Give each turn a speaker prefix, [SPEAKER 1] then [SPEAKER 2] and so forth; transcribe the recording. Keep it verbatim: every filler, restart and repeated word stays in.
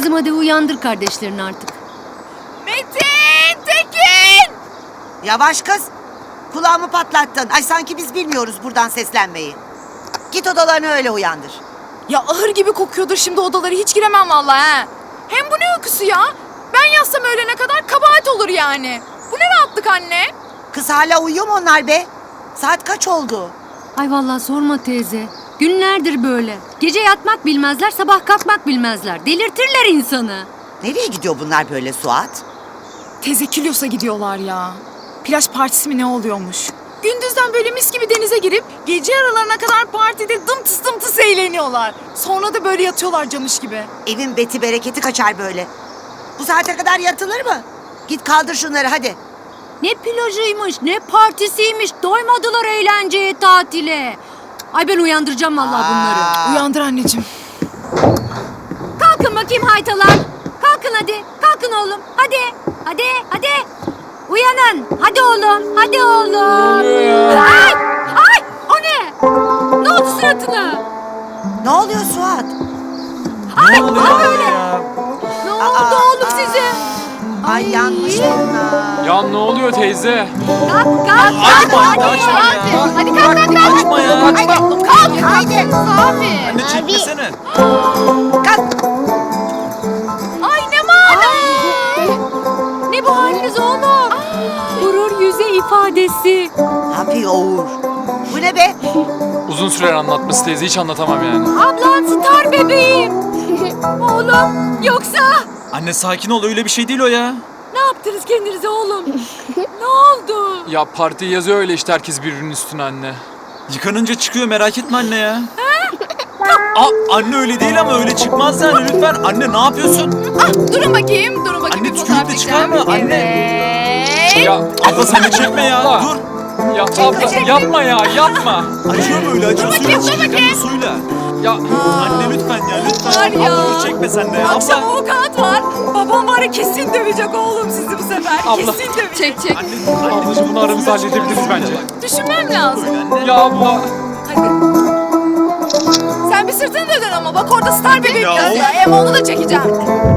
[SPEAKER 1] Kızım hadi uyandır kardeşlerini artık.
[SPEAKER 2] Metin! Tekin!
[SPEAKER 3] Yavaş kız. Kulağımı patlattın. Ay sanki biz bilmiyoruz buradan seslenmeyi. Git odalarını öyle uyandır.
[SPEAKER 2] Ya ahır gibi kokuyordur şimdi odaları, hiç giremem vallahi ha. Hem bu ne uykusu ya? Ben yatsam öğlene kadar kabahat olur yani. Bu ne rahatlık anne?
[SPEAKER 3] Kız hala uyuyor mu onlar be? Saat kaç oldu?
[SPEAKER 1] Ay vallahi sorma teyze. Günlerdir böyle. Gece yatmak bilmezler, sabah kalkmak bilmezler. Delirtirler insanı.
[SPEAKER 3] Nereye gidiyor bunlar böyle Suat?
[SPEAKER 2] Teyze Kilyos'a gidiyorlar ya. Plaj partisi mi ne oluyormuş? Gündüzden böyle mis gibi denize girip gece aralarına kadar partide dımtıs dımtıs eğleniyorlar. Sonra da böyle yatıyorlar camış gibi.
[SPEAKER 3] Evin beti bereketi kaçar böyle. Bu saate kadar yatılır mı? Git kaldır şunları hadi.
[SPEAKER 1] Ne plajıymış, ne partisiymiş. Doymadılar eğlenceye, tatile. Ay ben uyandıracağım vallahi bunları.
[SPEAKER 3] Aa,
[SPEAKER 2] Uyandır anneciğim.
[SPEAKER 1] Kalkın bakayım haytalar. Kalkın hadi. Kalkın oğlum. Hadi. Hadi. Hadi. Uyanın. Hadi oğlum. Hadi oğlum. Ay. Ay. O ne? Ne oldu suratına?
[SPEAKER 3] Ne oluyor Suat?
[SPEAKER 1] Ay.
[SPEAKER 4] oluyor
[SPEAKER 1] Ne böyle?
[SPEAKER 4] ya?
[SPEAKER 1] Ne oldu
[SPEAKER 3] Aa,
[SPEAKER 1] oğlum
[SPEAKER 3] aa.
[SPEAKER 1] size?
[SPEAKER 3] Ay yanmış bunlar.
[SPEAKER 4] Ya ne oluyor teyze?
[SPEAKER 1] Kalk kalk.
[SPEAKER 4] Açma,
[SPEAKER 1] kalk, hadi.
[SPEAKER 4] açma ya.
[SPEAKER 1] Hadi kalk kalk kalk.
[SPEAKER 4] Açma ya.
[SPEAKER 3] Hadi kalk haydi.
[SPEAKER 2] Abi.
[SPEAKER 4] Anne çekmesene.
[SPEAKER 3] Kalk.
[SPEAKER 2] Ay ne mana.
[SPEAKER 1] Ne bu haliniz oğlum? Gurur yüze ifadesi.
[SPEAKER 3] Ne yapıyor Uğur? Bu ne be?
[SPEAKER 4] Uzun sürer anlatması teyze, hiç anlatamam yani.
[SPEAKER 1] Ablan star bebeğim. Oğlum yoksa
[SPEAKER 5] Anne sakin ol, öyle bir şey değil o ya.
[SPEAKER 1] ne yaptınız kendinize oğlum? Ne oldu?
[SPEAKER 4] Ya parti yazıyor öyle işte, herkes birbirinin üstüne anne.
[SPEAKER 5] Yıkanınca çıkıyor, merak etme anne ya. Aa, anne öyle değil ama öyle çıkmaz yani, lütfen. Anne ne yapıyorsun?
[SPEAKER 2] Ah, durun bakayım, durun bakayım.
[SPEAKER 5] Anne,
[SPEAKER 2] bir
[SPEAKER 5] tükürük de
[SPEAKER 2] fotoğraf
[SPEAKER 5] çıkar mı?
[SPEAKER 2] çekeceğim.
[SPEAKER 5] Anne.
[SPEAKER 2] Evet.
[SPEAKER 4] Ya
[SPEAKER 5] Abla sen de çekme ya,
[SPEAKER 4] abla.
[SPEAKER 5] dur.
[SPEAKER 4] Ya abla yapma ya, yapma.
[SPEAKER 5] Acıyor mu öyle, acıyor? Suyla
[SPEAKER 2] dur
[SPEAKER 5] çıkacak
[SPEAKER 2] bakayım.
[SPEAKER 5] mı suyla?
[SPEAKER 4] Ya
[SPEAKER 5] Anne lütfen ya, lütfen.
[SPEAKER 2] Var ya.
[SPEAKER 5] Abla dur çekme sen de ya.
[SPEAKER 2] Akşam
[SPEAKER 5] Abla.
[SPEAKER 2] avukat var. Babam var ya, kesin dövecek oğlum sizi bu sefer.
[SPEAKER 4] Abla.
[SPEAKER 2] Kesin dövecek. Çek çek.
[SPEAKER 5] Anne,
[SPEAKER 4] ablacığım bunu aramızda halledebiliriz bence.
[SPEAKER 2] Düşünmem lazım.
[SPEAKER 5] Anne.
[SPEAKER 4] Ya abla.
[SPEAKER 2] Hadi. Sen bir sırtını dön ama bak orada star bebek
[SPEAKER 5] Ya
[SPEAKER 2] yazıyor.
[SPEAKER 5] of.
[SPEAKER 2] Hem onu da çekeceğim.